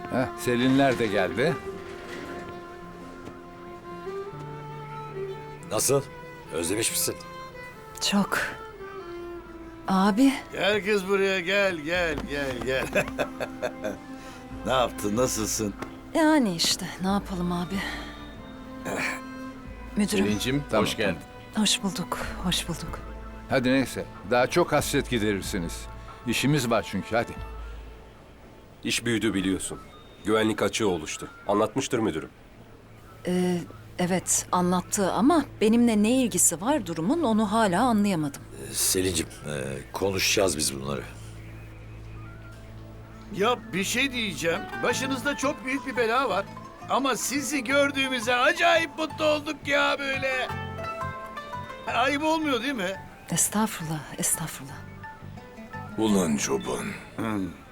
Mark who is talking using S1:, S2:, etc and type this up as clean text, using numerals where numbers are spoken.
S1: Selinler de geldi.
S2: Nasıl? Özlemiş misin?
S3: Çok. Abi,
S4: Gel kız buraya gel. Ne yaptın nasılsın?
S3: yani işte ne yapalım abi. Müdürüm,
S5: Selin'cim
S1: Tamam.
S5: hoş geldin.
S3: hoş bulduk, hoş bulduk.
S1: Hadi neyse. Daha çok hasret giderirsiniz. İşimiz var çünkü hadi.
S6: İş büyüdü biliyorsun. Güvenlik açığı oluştu. Anlatmıştır müdürüm.
S3: Evet, anlattı ama benimle ne ilgisi var durumun onu hala anlayamadım.
S2: Selin'cim konuşacağız biz bunları.
S4: Ya bir şey diyeceğim. Başınızda çok büyük bir bela var. Ama sizi gördüğümüze acayip mutlu olduk ya böyle. Ayıp olmuyor değil mi?
S3: Estağfurullah, estağfurullah.
S7: Ulan çoban.